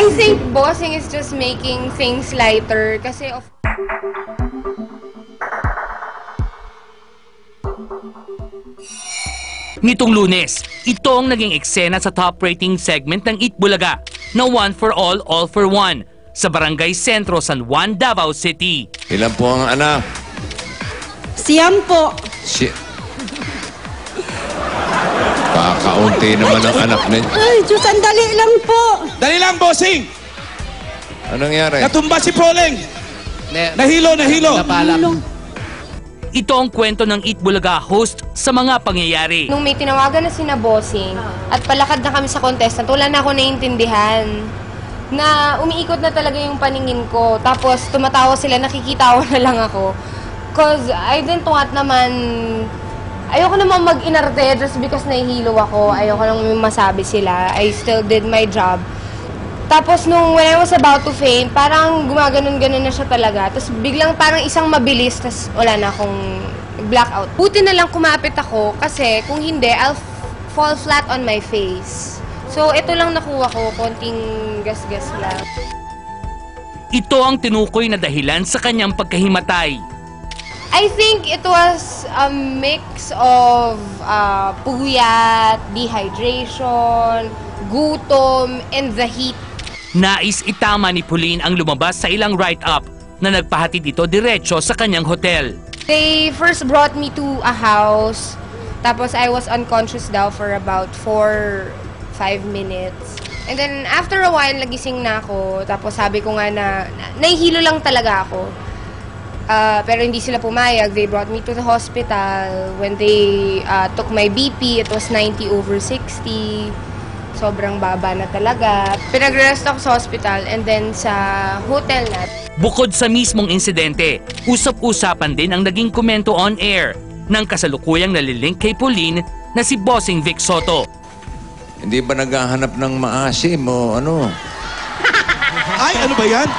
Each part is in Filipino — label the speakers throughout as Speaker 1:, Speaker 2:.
Speaker 1: I think bossing is just making things lighter kasi of
Speaker 2: Nitong Lunes, ito ang naging eksena sa top rating segment ng Eat Bulaga na One for All, All for One sa Barangay Sentro, San Juan, Davao City.
Speaker 3: Ilan po ang anak?
Speaker 4: Siyam po.
Speaker 3: Kakaunti naman ang anak niya.
Speaker 4: Ay, Diyos, ang dali lang po.
Speaker 5: Dali lang, bossing!
Speaker 3: Anong nangyari?
Speaker 5: Natumba si Poleng! Nahilo!
Speaker 2: Ito ang kwento ng Eat Bulaga host sa mga pangyayari.
Speaker 1: nung may tinawagan na sina bossing at palakad na kami sa contestant, wala na ako naiintindihan na umiikot na talaga yung paningin ko. Tapos tumatawa sila, nakikitawa na lang ako. Cause I didn't want naman, ayoko naman mag-inarte just because nahihilo ako. Ayoko nang masabi sila. I still did my job. Tapos when I was about to faint, parang gumaganon-ganon na siya talaga. Tapos biglang parang isang mabilis, tapos wala na akong blackout. Buti na lang kumapit ako kasi kung hindi, I'll fall flat on my face. So ito lang nakuha ko, konting gas-gas lang.
Speaker 2: Ito ang tinukoy na dahilan sa kanyang pagkahimatay.
Speaker 1: I think it was a mix of puyat, dehydration, gutom, and the heat.
Speaker 2: Nais itama ni Pauline ang lumabas sa ilang write-up na nagpahatid ito diretso sa kanyang hotel.
Speaker 1: They first brought me to a house, tapos I was unconscious daw for about 4-5 minutes. And then after a while, nagising na ako, tapos sabi ko nga na nahihilo lang talaga ako. Pero hindi sila pumayag. They brought me to the hospital. When they took my BP, it was 90/60. Sobrang baba na talaga. Pinag-rest ako sa hospital and then sa hotel na.
Speaker 2: Bukod sa mismong insidente, usap-usapan din ang naging komento on air ng kasalukuyang nalilink kay Pauline na si Bossing Vic Soto.
Speaker 3: Hindi ba naghahanap ng maasim o ano?
Speaker 5: Ay, ano ba yan?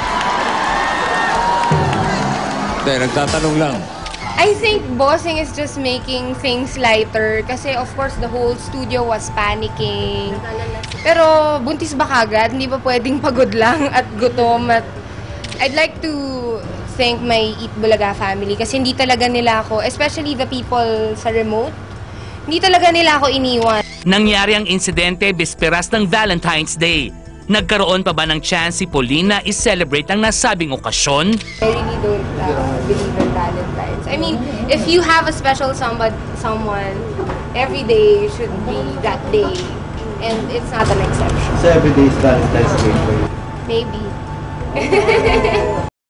Speaker 3: Hindi, nagtatanong lang.
Speaker 1: I think bossing is just making things lighter kasi of course the whole studio was panicking. Pero buntis ba kagad? Hindi ba pwedeng pagod lang at gutom? At I'd like to thank my Eat Bulaga family kasi hindi talaga nila ako, especially the people sa remote, hindi talaga nila ako iniwan.
Speaker 2: Nangyari ang insidente bisperas ng Valentine's Day. Nagkaroon pa ba ng chance si Pauline na i-celebrate ang nasabing okasyon?
Speaker 1: I really don't believe in Valentine's. I mean, if you have a special someone, every day should be that day. And it's not an exception.
Speaker 6: So every day is Valentine's Day for you?
Speaker 1: Maybe.